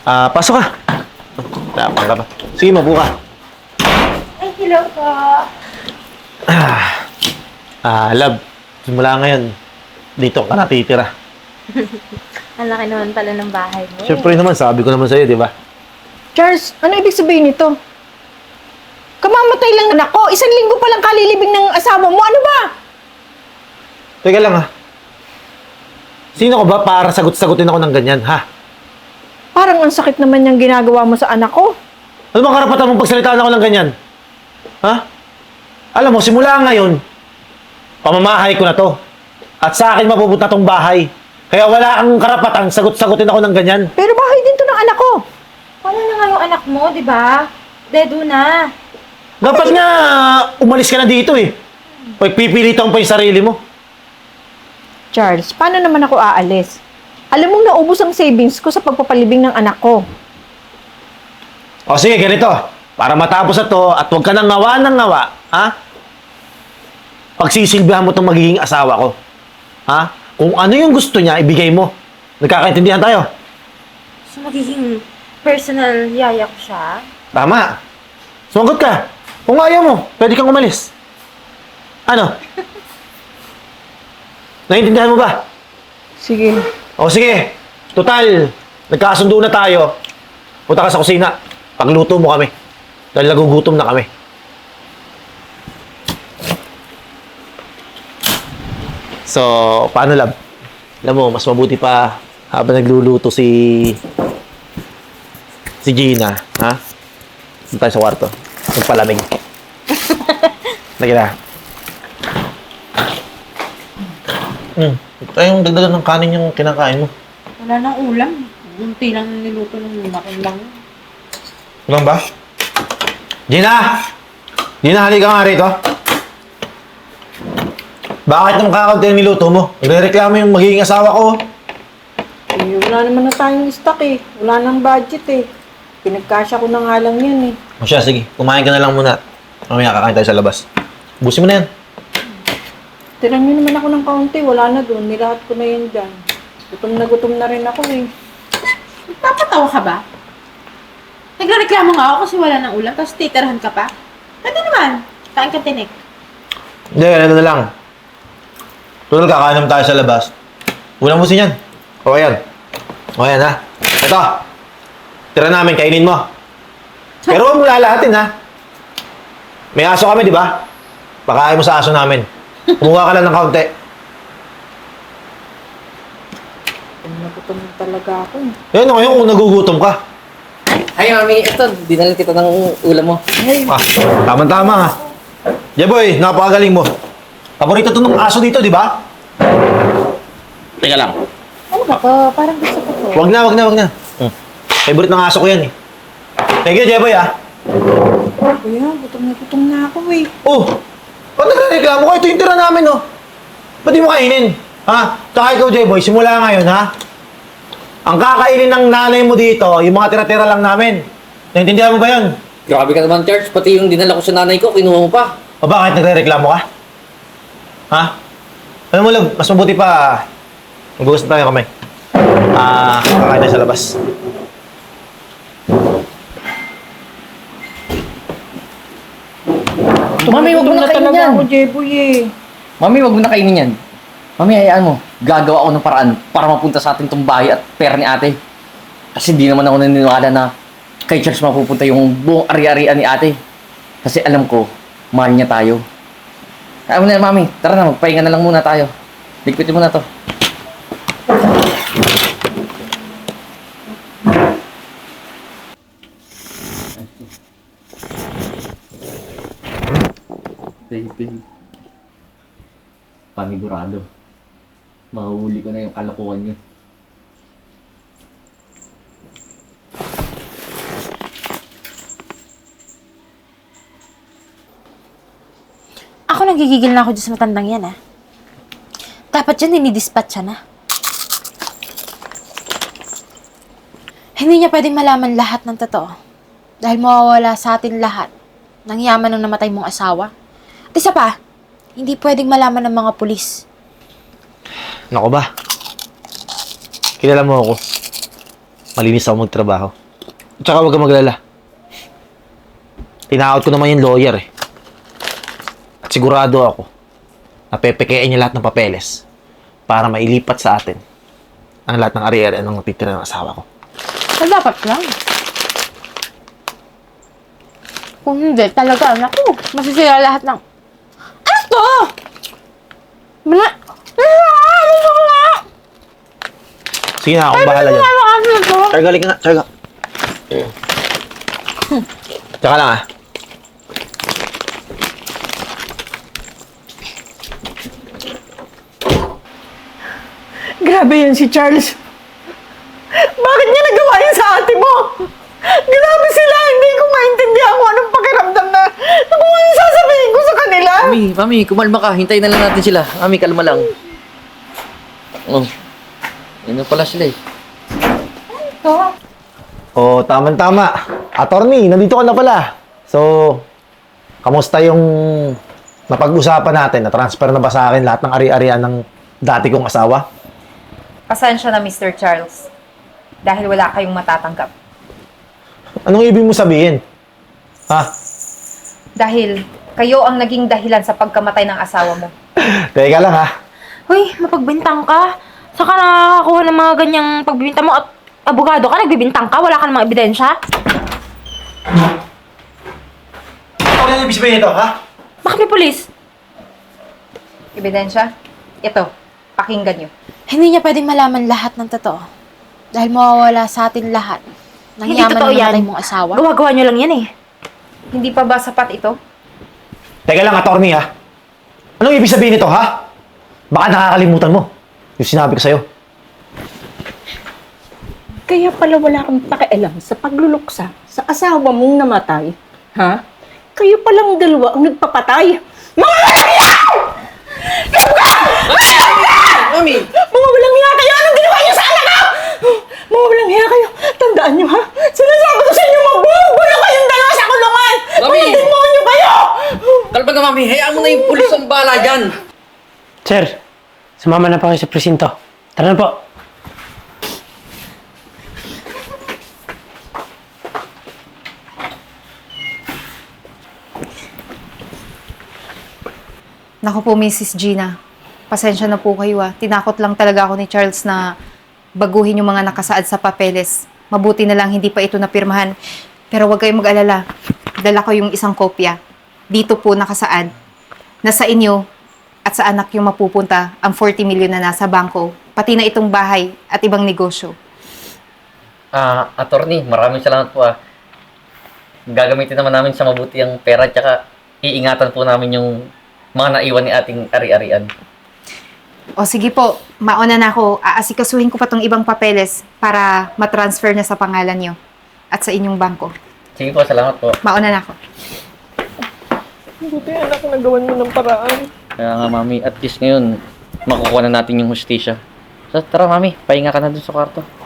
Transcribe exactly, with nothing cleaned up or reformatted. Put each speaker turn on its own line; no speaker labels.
Ah, pasok ka. Tapang ka pa. Sige, mabuka.
Ay, hello po.
Ah, ah, love. Simula ngayon, dito ka natitira.
Ang laki naman pala ng bahay mo.
Siyempre naman, sabi ko naman sa'yo, di ba?
Charles, ano ibig sabihin nito? Kamamatay lang anak ko. Isang linggo pa lang kalilibing ng asawa mo. Ano ba?
Teka lang ha. Sino ko ba para sagot-sagutin ako ng ganyan, ha?
Parang ang sakit naman yung ginagawa mo sa anak ko.
Ano bang karapatan mong pagsalitaan ako ng ganyan? Ha? Alam mo, simula ngayon, pamamahay ko na to. At sa akin mapupunta tong bahay. Kaya wala kang karapatan sagot-sagutin ako ng ganyan.
Pero bahay din to ng anak ko.
Paano na nga yung anak mo, di ba? Dedo na.
Dapat nga, umalis ka na dito eh. Pagpipilitan pa yung sarili mo.
Charles, paano naman ako aalis? Alam mong naubos ang savings ko sa pagpapalibing ng anak ko.
O sige, ganito. Para matapos na to at huwag ka nang ngawa ng ngawa, ha? Pagsisilbihan mo itong magiging asawa ko. Ha? Kung ano yung gusto niya, ibigay mo. Nagkakaintindihan tayo.
So, magiging personal yaya ko siya?
Tama. Sumagot ka. Kung ayaw mo, pwede kang umalis. Ano? Naiintindihan mo ba?
Sige.
O sige. Total, nagkasundo na tayo. Punta ka sa kusina. Pagluto mo kami. Dahil nagugutom na kami. So, paano lab? Alam mo, mas mabuti pa habang nagluluto si si Gina, ha? Doon tayo sa kwarto. Magpalamig. Lagi na. Hmm. Tayong dagdagan ng kanin yung kinakain mo.
Wala nang ulam. Unti lang niluto ng makin lang.
Ulang ba? Gina! Gina, halika nga rito. Bakit nung kakaunti ang niluto mo? Nagre-reklamo yung magiging asawa ko.
Eh, wala naman na tayong stock eh. Wala nang budget eh. Pinagkasya ko na nga lang yan eh.
O siya, sige. Kumain ka na lang muna. Mamaya kakain tayo sa labas. Busin mo na yan.
Tiran nyo naman ako ng kaunti. Wala na doon. Nilahat ko na yan dyan. Gutom na gutom na rin ako eh.
Nagpapatawa ka ba? Nagreklamo nga ako kasi wala nang ulam, tapos titirahan ka pa? Pwede naman. Kain ka tinik.
Hindi, ano na lang. Tulad kakain naman tayo sa labas. Unang busin yan. O yan. O yan ha. Ito. Tira namin, kainin mo. Pero huwag mo lalahatin ha. May aso kami, di ba? Pakain mo sa aso namin. Kumuha ka lang ng kaunti.
Gutom na gutom na talaga ako eh.
Yan o ngayon kung nagugutom ka.
Ay, mami, ito, dinala kita ng ulam mo.
Ah, tama-tama ha. Jeboy, napakagaling mo. Paborito to ng aso dito, di ba? Teka lang.
Ano ba to? Parang gusto ko to.
Wag na, wag na, wag na. Hmm. Favorite ng aso ko yan eh. Thank you, Jeboy ah.
Kuya, gutom na gutom na ako eh.
Oh, ba't nagre-reklamo ka? Ito yung tira namin oh. Ba't di mo kainin? Ha? Tsaka ikaw, Jeboy, simula ngayon ha? Ang kakainin ng nanay mo dito, yung mga tira-tira lang namin. Naintindihan mo ba yun?
Grabe ka naman, Charles. Pati yung dinala ko sa nanay ko, kinuha mo pa.
O bakit nagre-reklamo ka? Ha? Alam mo, love, mas mabuti pa, magbukas na tayo kamay. Ah, kakain tayo sa labas.
Mami, wag mo
Gutom
na
na
kainin
talaga
yan.
ako, Jeboy eh.
Mami, wag mo na kainin yan. Mami, hayaan mo. Gagawa ako ng paraan para mapunta sa atin tong bahay at pera ni ate. Kasi di naman ako naniniwala na kay Charles mapupunta yung buong ari-arian ni ate. Kasi alam ko, mahal niya tayo. Kaya mo na, Mami. Tara na, magpahinga na lang muna tayo. Ligpitin mo na to. Baby. Panigurado. Mahuhuli ko na yung kalokohan niyo.
Ako nagigigil na ako dyan sa matandang yan, ah. Dapat yan, dinidispatch siya na. Hindi niya pwedeng malaman lahat ng totoo. Dahil mawawala sa atin lahat ng yaman ng namatay mong asawa. At isa pa, hindi pwedeng malaman ng mga pulis.
Nako ba? Kilala mo ako. Malinis ako magtrabaho. At saka huwag kang maglala. Tinakot ko naman yung lawyer eh. At sigurado ako na pepekein niya lahat ng papeles para mailipat sa atin ang lahat ng ari-ari ng natitira ng asawa ko.
So, dapat lang. Kung hindi, talaga, naku, masisira lahat ng... Ano to? Mana... Ano nga?
Sige na, akong bahala dyan.
Ano to?
Charga, halika nga. Charga. Tsaka lang ah.
Grabe yan si Charles. Bakit niya nagawa yun sa ate mo? Grabe sila, hindi ko maintindihan kung anong pakiramdam na na kung ano sasabihin ko sa kanila.
Mami, mami, kumalma ka. Hintayin na lang natin sila. Mami, kalma lang. Oh. Yun na pala sila eh.
Oh, tama-tama. Attorney, nandito ka na pala. So, kamusta yung napag-usapan natin? Na-transfer na ba sa akin lahat ng ari-arian ng dati kong asawa?
Pasensya na, Mister Charles. Dahil wala kayong matatanggap.
Anong ibig mo sabihin? Ha?
Dahil kayo ang naging dahilan sa pagkamatay ng asawa mo.
Teka lang ha.
Uy, mapagbintang ka. Saka nakakakuha ng mga ganyang pagbibintang mo at abogado ka, nagbibintang ka, wala ka ng mga ebidensya.
Ano yung ibig sabihin ito, ha?
Bakit may pulis?
Ebidensya? Ito, pakinggan nyo.
Hindi niya pwedeng malaman lahat ng totoo. Dahil mawawala sa atin lahat. Nang Hindi yaman totoo ng yan. namatay mong asawa. Gawa-gawa niyo lang yan eh.
Hindi pa ba sapat ito?
Teka lang, attorney ha. Anong ibig sabihin nito, ha? Baka nakakalimutan mo yung sinabi ko sa'yo.
Kaya pala wala kang pakialam sa pagluluksa sa asawa mong namatay. Ha? Kayo palang dalawa ang nagpapatay. Mga walang hiya!
Mami!
Mga walang hiya kayo! Anong ginawa niyo sa anak ko? Mga walang hiya kayo! Tandaan niyo ha? Sinasabi ko sa inyo, mabubulo kayong dalawa sa kulungan!
Mami!
Mga demonyo kayo!
Kalma ka, mami. Hayaan mo na yung pulis ang bala dyan.
Sir, sumama na po kayo sa presinto. Tara na po.
Naku po, Missus Gina. Pasensya na po kayo ah. Tinakot lang talaga ako ni Charles na baguhin yung mga nakasaad sa papeles. Mabuti na lang hindi pa ito napirmahan. Pero huwag kayong mag-alala. Dala ko yung isang kopya. Dito po nakasaad na sa inyo at sa anak yung mapupunta ang forty million na nasa bangko, pati na itong bahay at ibang negosyo.
Ah, attorney, maraming salamat po ah. Gagamitin naman namin sa mabuti ang pera tsaka iingatan po namin yung mga naiwan ni ating ari-arian.
O sige po, mauna na ako. Aasikasuhin ko pa tong ibang papeles para matransfer na sa pangalan nyo at sa inyong bangko.
Sige po, salamat po.
Mauna na ako.
Buti anak, nagawan mo ng paraan.
Kaya nga, mami, at least ngayon, makukuha na natin yung hustisya. So, tara, mami, pahinga ka na dun sa kwarto.